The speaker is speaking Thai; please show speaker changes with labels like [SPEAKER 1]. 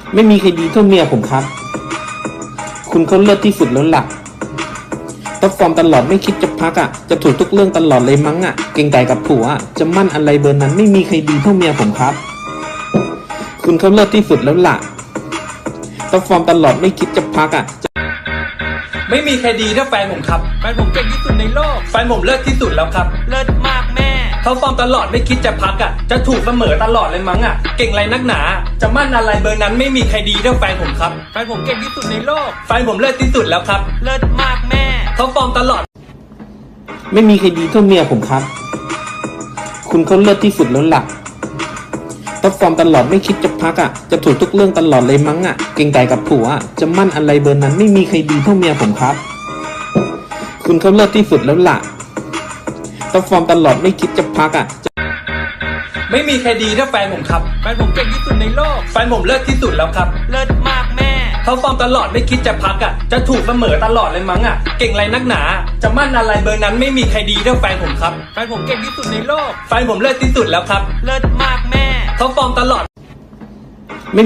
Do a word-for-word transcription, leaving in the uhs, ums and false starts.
[SPEAKER 1] ไม่มีใครดีเท่าเมียผมครับคุณเขาเลิศที่สุดแล้วล่ะท็อปฟอร์มตลอดไม่คิดจะพักอ่ะจะถูกทุกเรื่องตลอดเลยมั้งอ่ะเก่งแต่กับผัวจะมั่นอะไรเบอร์นั้นไม่มีใครดีเท่าเมียผมครับคุณเขาเลิศที่สุดแล้วล่ะท็อปฟอร์มตลอดไม่คิดจะพักอ่ะ
[SPEAKER 2] ไม่มีใครดีเท่าแฟนผมครับแฟนผมเก่งที่สุดในโลกแฟนผมเลิศที่สุดแล้วครับเลิศมากแม่เขาฟอร์มตลอดไม่คิดจะพักอ่ะจะถูกเสมอตลอดเลยมั้งอ่ะเก่งไรนักหนาจะมั่นอะไรเบอร์นั้นไม่มีใครดีเท่าแฟนผมครับแฟนผมเก่งที่สุดในโลกแฟนผมเลิศที่สุดแล้วครับเลิศมากแม่เขาฟอร์มตลอด
[SPEAKER 1] ไม่มีใครดีเท่าเมียผมครับคุณเขาเลิศที่สุดแล้วล่ะท็อปฟอร์มตลอดไม่คิดจะพักอ่ะจะถูกทุกเรื่องตลอดเลยมั้งอ่ะเก่งแต่กับผัวจะมั่นอะไรเบอร์นั้นไม่มีใครดีเท่าเมียผมครับคุณเขาเลิศที่สุดแล้วล่ะท็อปฟอร์มตลอดไม่คิดจะพักอ่ะ
[SPEAKER 2] ไม่มีใครดีเท่าแฟนผมครับแฟนผมเก่งที่สุดในโลกแฟนผมเลิศที่สุดแล้วครับเลิศมากแม่เขาฟอร์มตลอดไม่คิดจะพักอ่ะจะถูกเสมอตลอดเลยมั้งอ่ะเก่งไรนักหนาจะมั่นอะไรเบอร์นั้นไม่มีใครดีเท่าแฟนผมครับแฟนผมเก่งที่สุดในโลกแฟนผมเลิศที่สุดแล้วครับเลิศมากแม่เขาฟอร์มตลอด